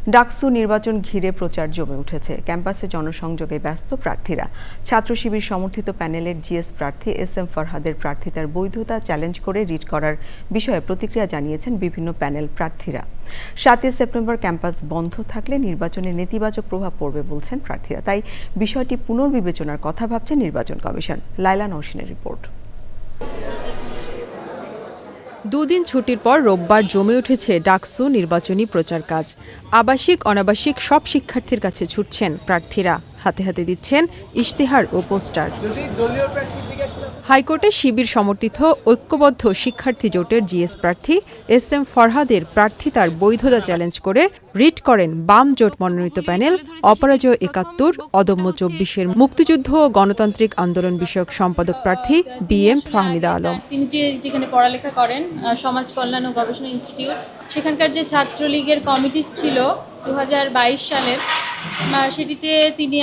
ডাকসু নির্বাচন ঘিরে প্রচার জমে উঠেছে। ক্যাম্পাসে জনসংযোগে ব্যস্ত প্রার্থীরা। ছাত্র শিবির সমর্থিত প্যানেলের জিএস প্রার্থী SM ফরহাদের প্রার্থিতার বৈধতা চ্যালেঞ্জ করে রিট করার বিষয়ে প্রতিক্রিয়া জানিয়েছেন বিভিন্ন প্যানেল প্রার্থীরা। 7 সেপ্টেম্বর ক্যাম্পাস বন্ধ থাকলে নির্বাচনে নেতিবাচক প্রভাব পড়বে বলছেন প্রার্থীরা। তাই বিষয়টি পুনর্বিবেচনার কথা ভাবছে নির্বাচন কমিশন। লাইলা নওশিনের রিপোর্ট। দুদিন ছুটির পর রোববার জমে উঠেছে ডাকসু নির্বাচনী প্রচার কাজ। আবাসিক অনাবাসিক সব শিক্ষার্থীর কাছে ছুটছেন প্রার্থীরা, হাতে হাতে দিচ্ছেন ইশতেহার ও পোস্টার। হাইকোর্টে শিবির সমর্থিত ঐক্যবদ্ধ শিক্ষার্থী জোটের জিএস প্রার্থী SM ফরহাদের প্রার্থিতার বৈধতা চ্যালেঞ্জ করে রিট করেন বাম জোট মনোনীত প্যানেল অপরাজয় ৭১, অদম্য ২৪-এর মুক্তিযুদ্ধ ও গণতান্ত্রিক আন্দোলন বিষয়ক সম্পাদক প্রার্থী BM ফাহমিদা আলম। তিনি যেখানে পড়ালেখা করেন সমাজ কল্যাণ ও গবেষণা ইনস্টিটিউট, সেখানকার যে ছাত্রলীগের কমিটি ছিল 2022 সালের, সেটিতে তিনি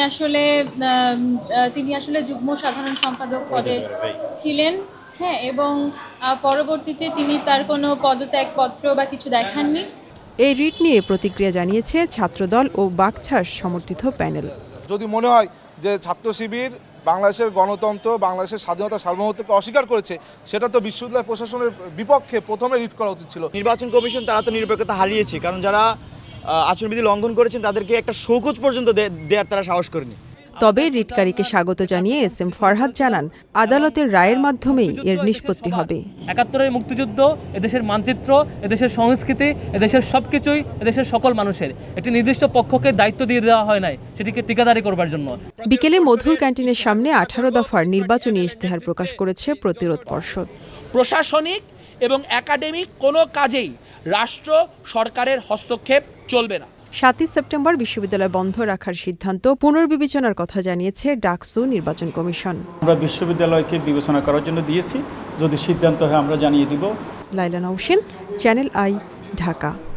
আসলে যুগ্ম সাধারণ সম্পাদক পদে ছিলেন। হ্যাঁ, এবং পরবর্তীতে তিনি তার কোনো পদত্যাগপত্র বা কিছু দেখাননি। এই রিট নিয়ে প্রতিক্রিয়া জানিয়েছে ছাত্রদল ও বাকছাস সমর্থিত প্যানেল। যদি মনে হয় যে ছাত্র শিবির বাংলাদেশের গণতন্ত্র, বাংলাদেশের স্বাধীনতা সার্বভৌমত্বকে অস্বীকার করেছে, সেটা তো বিশ্ববিদ্যালয় প্রশাসনের বিপক্ষে প্রথমে রিট করা উচিত ছিল। নির্বাচন কমিশন তারা তো নিরপেক্ষতা হারিয়েছে, কারণ যারা আচরণবিধি লঙ্ঘন করেছেন তাদেরকে একটা শোকজ পর্যন্ত দেওয়ার তারা সাহস করেনি। তবে রিটকারীকে স্বাগত জানিয়ে SM ফরহাদ জানান, আদালতের রায়ের মাধ্যমেই এর নিষ্পত্তি হবে। ৭১-এর মুক্তিযুদ্ধ, এদেশের মানচিত্র, এদেশের সংস্কৃতি, এদেশের সবকিছুই এদেশের সকল মানুষের। একটি নির্দিষ্ট পক্ষকে দায়িত্ব দিয়ে দেওয়া হয় নাই সেটিকে ঠিকাদারি করবার জন্য। বিকেলে মধুর ক্যান্টিনের সামনে 18 দফার নির্বাচনী ইশতেহার প্রকাশ করেছে প্রতিরোধ পর্ষদ। প্রশাসনিক এবং একাডেমিক কোনো কাজেই রাষ্ট্র সরকারের হস্তক্ষেপ চলবে না। 7 সেপ্টেম্বর বিশ্ববিদ্যালয় বন্ধ রাখার সিদ্ধান্ত পুনর্বিবেচনার কথা জানিয়েছে ডাকসু নির্বাচন কমিশন। আমরা বিশ্ববিদ্যালয়কে বিবেচনা করার জন্য দিয়েছি, যদি সিদ্ধান্ত হয় আমরা জানিয়ে দিব। Laila Nowshin, channel I, Dhaka.